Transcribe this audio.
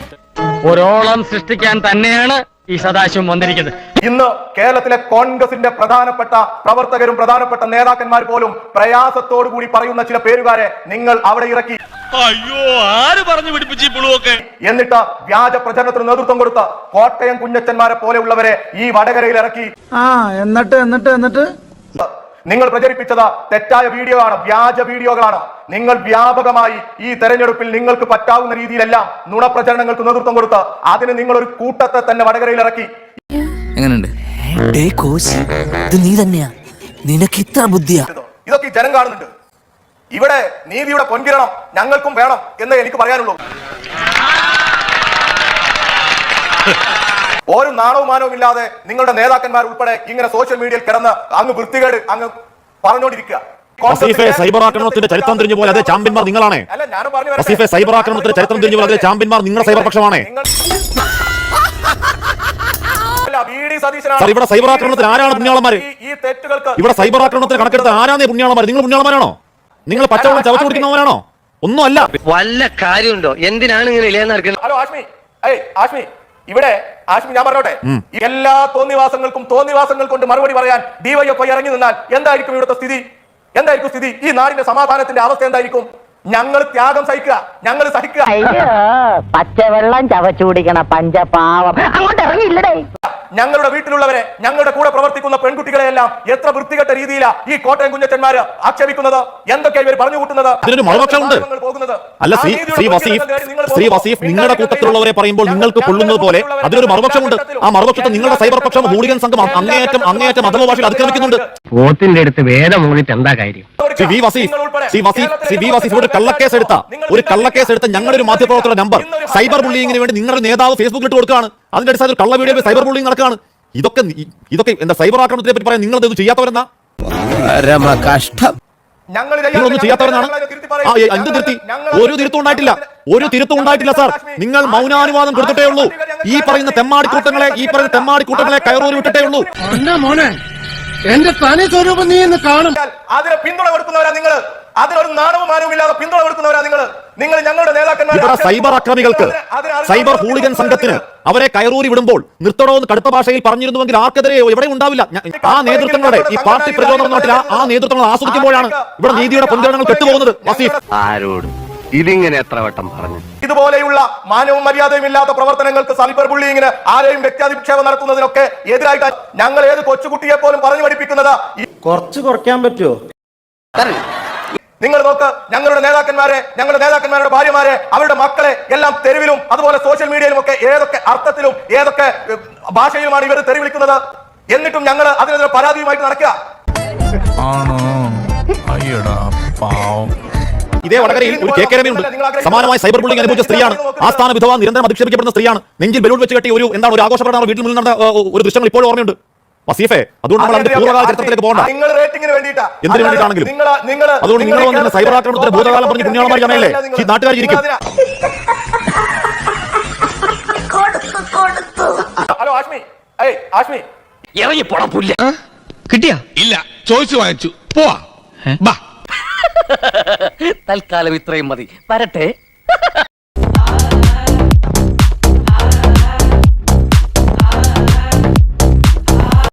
ഒരോളം സൃഷ്ടിക്കാൻ തന്നെയാണ് ഈ സദാശിവം വന്നിരിക്കുന്നത്. ഇന്ന് കേരളത്തിലെ കോൺഗ്രസിന്റെ പ്രധാനപ്പെട്ട പ്രവർത്തകരും പ്രധാനപ്പെട്ട നേതാക്കന്മാർ പോലും പ്രയാസത്തോടു കൂടി പറയുന്ന ചില പേരുകാരെ നിങ്ങൾ അവിടെ ഇറക്കി. അയ്യോ, ആര് പറഞ്ഞു പിടിപ്പിച്ചു പുളുവൊക്കെ? എന്നിട്ട് വ്യാജ പ്രചരണത്തിന് നേതൃത്വം കൊടുത്ത കോട്ടയം കുഞ്ഞച്ചന്മാരെ പോലെയുള്ളവരെ ഈ വടകരയിൽ ഇറക്കി. എന്നിട്ട് നിങ്ങൾ പ്രചരിപ്പിച്ചത് തെറ്റായ വീഡിയോ ആണ്, വ്യാജ വീഡിയോകളാണ്. നിങ്ങൾ വ്യാപകമായി ഈ തെരഞ്ഞെടുപ്പിൽ നിങ്ങൾക്ക് പറ്റാവുന്ന രീതിയിലെല്ലാം നുണപ്രചരണങ്ങൾക്ക് നേതൃത്വം കൊടുത്ത് അതിന് നിങ്ങൾ ഒരു കൂട്ടത്തെ തന്നെ വടകരയിൽ ഇറക്കി. നീ തന്നെയാ, നിനക്ക് ഇത്ര ബുദ്ധിയാ? ഇതൊക്കെ ജനം കാണുന്നുണ്ട്. ഇവിടെ നീതിയുടെ പൊൻകിരണം ഞങ്ങൾക്കും വേണം എന്ന് എനിക്ക് പറയാനുള്ളൂ. ഒരു നാണവും മാനവും ഇല്ലാതെ നിങ്ങളുടെ നേതാക്കന്മാർ ഉൾപ്പെടെ ഇങ്ങനെ സോഷ്യൽ മീഡിയയിൽ കിടന്ന് അങ്ങ് വൃത്തികേട് അങ്ങ് പറഞ്ഞുകൊണ്ടിരിക്കുക. സൈബർ ആക്രമണത്തിന്റെ ചരിത്രം തിരിഞ്ഞു പോലെ അതേ ചാമ്പ്യന്മാർ നിങ്ങളാണ്. സൈബർ ആക്രമണത്തിന്റെ ചരിത്രം തിരിഞ്ഞു പോലെ അതേ ചാമ്പ്യന്മാർ നിങ്ങളുടെ സൈബർ പക്ഷമാണ്. ഇവിടെ സൈബർ ആക്രമണത്തിന് ആരാണ് പുണ്യാളന്മാര്? ഇവിടെ സൈബർ ആക്രമണത്തിന് കണക്കെടുത്ത് ആരാണ് പുണ്യാളന്മാർ? നിങ്ങൾ പുണ്യാളന്മാരാണോ? നിങ്ങൾ പച്ചവെള്ളം ചവച്ചു കുടിക്കുന്നവരാണോ? ഒന്നും അല്ല. വല്ല കാര്യമുണ്ടോ? എന്തിനാണ് ഇങ്ങനെ ഇല്ലാന്ന്? ഹലോ ആഷ്മി, ഇവിടെ ആഷ്മി ഞാൻ പറഞ്ഞോട്ടെ, എല്ലാ തോന്നിവാസങ്ങൾക്കും കൊണ്ട് മറുപടി പറയാൻ ഡിവൈഎഫ്ഐ ഇറങ്ങി നിന്നാൽ എന്തായിരിക്കും ഇവിടുത്തെ സ്ഥിതി? എന്തായിരിക്കും സ്ഥിതി? ഈ നാടിന്റെ സമാധാനത്തിന്റെ അവസ്ഥ എന്തായിരിക്കും? ഞങ്ങൾ ത്യാഗം സഹിക്കുക, ഞങ്ങൾ സഹിക്കുക. പച്ചവെള്ളം ചവച്ചു കുടിക്കണ പഞ്ചപാവം അങ്ങോട്ട് ഇറങ്ങിയില്ലടേ. ഞങ്ങളുടെ വീട്ടിലുള്ളവരെ, ഞങ്ങളുടെ കൂടെ പ്രവർത്തിക്കുന്ന പെൺകുട്ടികളെയെല്ലാം എത്ര വൃത്തികെട്ട രീതിയിലാണ് ഈ കോട്ടയം കുഞ്ഞച്ചന്മാര് ആക്ഷേപിക്കുന്നത്, എന്തൊക്കെയാണ് ഇവർ പറഞ്ഞു കൂട്ടുന്നത്? അല്ല ശ്രീ വസീഫ്, നിങ്ങളുടെ കൂട്ടത്തിലുള്ളവരെ പറയുമ്പോൾ നിങ്ങൾക്ക് കൊള്ളുന്നത് പോലെ അതിനൊരു മറുപക്ഷമുണ്ട്. ആ മറുപക്ഷത്തെ നിങ്ങളുടെ സൈബർ പക്ഷം ഹൂളിഗൻ സംഘം അങ്ങേയറ്റം അധമഭാഷയിൽ അതിക്രമിക്കുന്നുണ്ട്. പോത്തിന്റെ അടുത്ത് വേദം മൂന്നിട്ട് എന്താ കാര്യം? ഒരു കള്ളക്കേസ് എടുത്ത ഞങ്ങളുടെ ഒരു മാധ്യമപ്രവർത്തകരുടെ നമ്പർ സൈബർ ബുള്ളിങ്ങിന് വേണ്ടി നിങ്ങളുടെ നേതാവ് ഫേസ്ബുക്കിൽ ഇട്ട് കൊടുക്കുകയാണ്. അതിന്റെ അടിസ്ഥാനത്തിൽ കള്ള വീഡിയോ സൈബർ ബുള്ളിങ് നടക്കുകയാണ്. ഇതൊക്കെ എന്താ സൈബർ ആക്രമണത്തിനെ പറ്റി പറയാൻ നിങ്ങൾ ഇത് ചെയ്യാത്തവരെന്നാ? നിങ്ങളൊന്നും ചെയ്യാത്തവരെന്നാണ്. എന്ത് തിരുത്തി? ഒരു തിരുത്തും ഉണ്ടായിട്ടില്ല സാർ. നിങ്ങൾ മൗനാനുവാദം കൊടുത്തിട്ടേ ഉള്ളൂ. ഈ പറയുന്ന തെമ്മാടിക്കൂട്ടങ്ങളെ കയറൂരി വിട്ടിട്ടേ ഉള്ളൂ. എന്റെ തനി സ്വരൂപം നീ എന്ന് കാണും. അതിന് പിന്തുണ കൊടുക്കുന്നവരാ നിങ്ങൾ. അതിനൊരു നാണവും മാനവും ഇല്ലാതെ പിന്തുണ കൊടുക്കുന്നവരാ നിങ്ങൾ ഞങ്ങളുടെ നേതാക്കന്മാർ. ഇവിടെ സൈബർ അക്രമികൾക്ക്, സൈബർ ഹൂളിഗൻ സംഘത്തിന് അവരെ കയറൂരി വിടുമ്പോൾ നിർത്തണോ എന്ന് കടുത്ത ഭാഷയിൽ പറഞ്ഞിരുന്നുവെങ്കിൽ ആർക്കെതിരെ എവിടെ ഉണ്ടാവില്ല. ആ നേതൃത്വങ്ങളുടെ ഈ പാർട്ടി പ്രചോദനം നാട്ടിൽ ആ നേതൃത്വങ്ങൾ ആസ്വദിക്കുമ്പോഴാണ് ഇവിടെ നീതിയുടെ പൊൻകിരണങ്ങൾ കെട്ടുപോകുന്നത്. വസീഫ്, ആരോടും ഇതിങ്ങനെ എത്ര വട്ടം പറഞ്ഞു? ഇതുപോലെയുള്ള മാനവും മര്യാദയും ഇല്ലാത്ത പ്രവർത്തനങ്ങൾക്ക്, സൈബർ ബുള്ളിങ്ങിന്, ആരെയും വ്യക്തിയാധിക്ഷേപം നടത്തുന്നതിനൊക്കെ എതിരായിട്ട് ഞങ്ങൾ ഏത് കൊച്ചുകുട്ടിയെ പോലും പറഞ്ഞു പഠിപ്പിക്കുന്നത്. കുറച്ച് കുറയ്ക്കാൻ പറ്റുമോ? നിങ്ങൾ നോക്ക്, ഞങ്ങളുടെ നേതാക്കന്മാരുടെ ഭാര്യമാരെ, അവരുടെ മക്കളെ എല്ലാം തെരുവിലും അതുപോലെ സോഷ്യൽ മീഡിയയിലും ഒക്കെ ഏതൊക്കെ അർത്ഥത്തിലും ഏതൊക്കെ ഭാഷയിലുമാണ് ഇവർ തെറി വിളിക്കുന്നത്. എന്നിട്ടും ഞങ്ങൾ അതിനെതിരെ പരാതിയുമായിട്ട് നടക്കുക. ഇതേ വടകരയിൽ ഒരു കെ രമയുണ്ട്. സമാനമായ സൈബർ ബുള്ളിംഗ് അനുഭവിച്ച സ്ത്രീയാണ്. ആസ്ഥാന വിധവ, നിരന്തരം അധിക്ഷേപിക്കപ്പെടുന്ന സ്ത്രീയാണ്. നെഞ്ചിൽ ബലൂൺ വെച്ച് കെട്ടി ഒരു ആഘോഷപ്രകടനം വീട്ടിൽ മുന്നിൽ നടന്ന ഒരു ദൃശ്യങ്ങൾ ഇപ്പോഴും ഓർമ്മയുണ്ട്. വസീഫെ, അതുകൊണ്ട് നമ്മൾ അതിന്റെ പൂർവ്വകാല ചരിത്രത്തിലേക്ക് പോകണ്ട. എന്തിനു വേണ്ടിയിട്ടാണെങ്കിലും അതുകൊണ്ട് നിങ്ങൾ വന്നിരുന്ന സൈബർ ആക്രമണത്തിന്റെ ഭൂതകാലം പറഞ്ഞ് പുണ്യാളന്മാർ ജമയല്ലേ ഈ നാട്ടുകാർ ഇരിക്കും. ഹലോ ആഷ്മി, ഇറങ്ങി പോടാ പുല്ല. കിട്ടിയാ? ഇല്ല, ചോദിച്ചു വാങ്ങിച്ചു. പോവാ. തൽക്കാലം ഇത്രയും മതി. വരട്ടെ.